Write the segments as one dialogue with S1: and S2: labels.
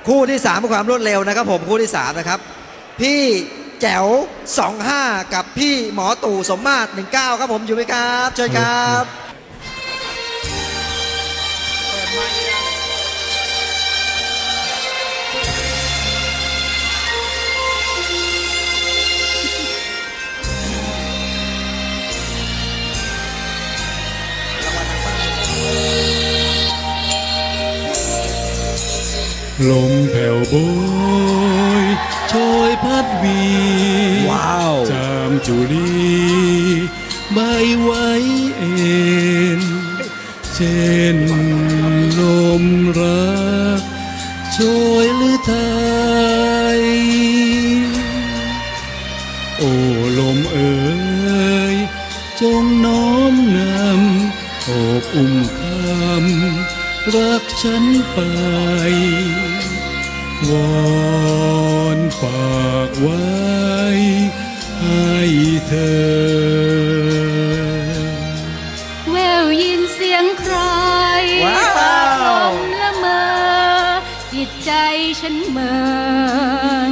S1: คู่ที่3เป็นความรวดเร็วนะครับผมคู่ที่3นะครับพี่แจ๋ว25กับพี่หมอตู่สมมาตร19ครับผมอยู่ไหมครับเชิญครับ
S2: ลมแผ่วโบยโชยพัดวี
S1: ว้าว
S2: จามจุลีใบไว้เอ็นเช่นลมรักโชยหรือไทยโอ้ลมเอ๋ยจงน้อมนำโอบอุ้มคำรักฉันไปวอนฝากไว้ให้เธอ
S3: แววยินเสียงใครฝากลมละเมอจิตใจฉันเหมือน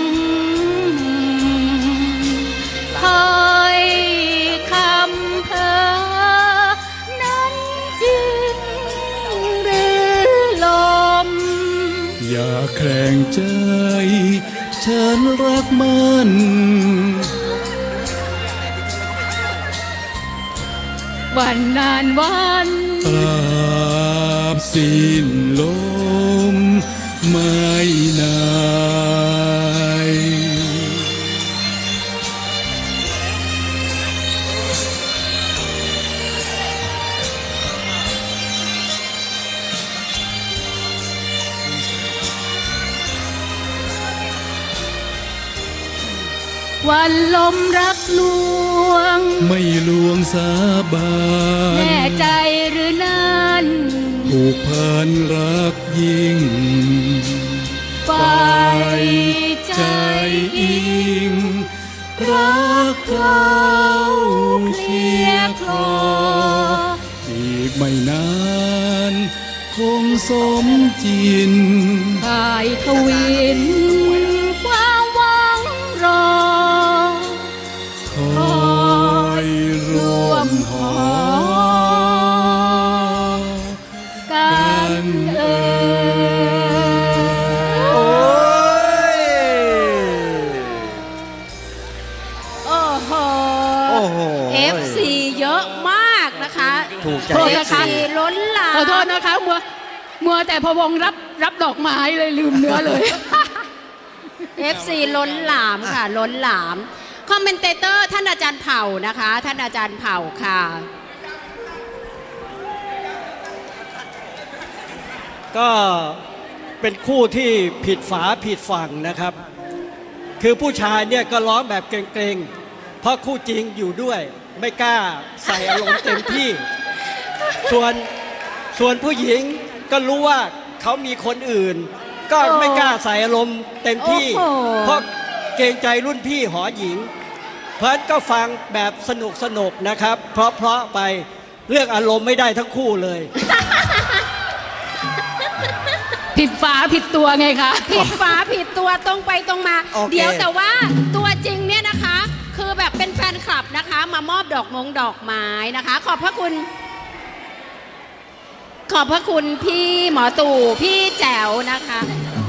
S3: คอยคำเพ้อนั้นจริงหรือลม
S2: อย่าแข่งใจฉันรักมัน
S3: วันนานวัน
S2: ตราบสิ้นลมไม่นาย
S3: วันลมรักลวง
S2: ไม่ลวงสาบาน
S3: แน่ใจหรือนั้น
S2: ผูกพันรักยิ่ง
S3: ฝ่ายใจ
S2: อิงรักเขาเคลียร์คลออีกไม่นานคงสมจิน
S3: ฝ่ายทวินความหวังรอ
S2: คอยร่วมหอ
S3: กัน
S1: โอ้
S3: โห FC เยอะมากนะคะ
S1: ถูกใจ
S3: FC ล้นหลามขอโทษนะคะมัวแต่พวงรับดอกไม้เลยลืมเนื้อเลย FC ล้นหลามค่ะล้นหลามคอมเมนเตเตอร์ท่านอาจารย์เผ่านะคะท่านอาจารย์เผ่าค่ะ
S4: ก็เป็นคู่ที่ผิดฝาผิดฝั่งนะครับคือผู้ชายเนี่ยก็ร้องแบบเกรงๆเพราะคู่จริงอยู่ด้วยไม่กล้าใส่อารมณ์เต็มที่ส่วนผู้หญิงก็รู้ว่าเขามีคนอื่นก็ไม่กล้าใส่อารมณ์เต็มที่เพราะเกรงใจรุ่นพี่หอหญิงเพราะฉะนั้นก็ฟังแบบสนุกนะครับเพราะไปเรื่องอารมณ์ไม่ได้ทั้งคู่เลย
S3: ผิดฝาผิดตัวไงคะผิดฝาผิดตัวตรงไปตรงมาเดี๋ยวแต่ว่าตัวจริงเนี่ยนะคะคือแบบเป็นแฟนคลับนะคะมามอบดอกไม้นะคะขอบพระคุณพี่หมอตู่พี่แจ๋วนะคะ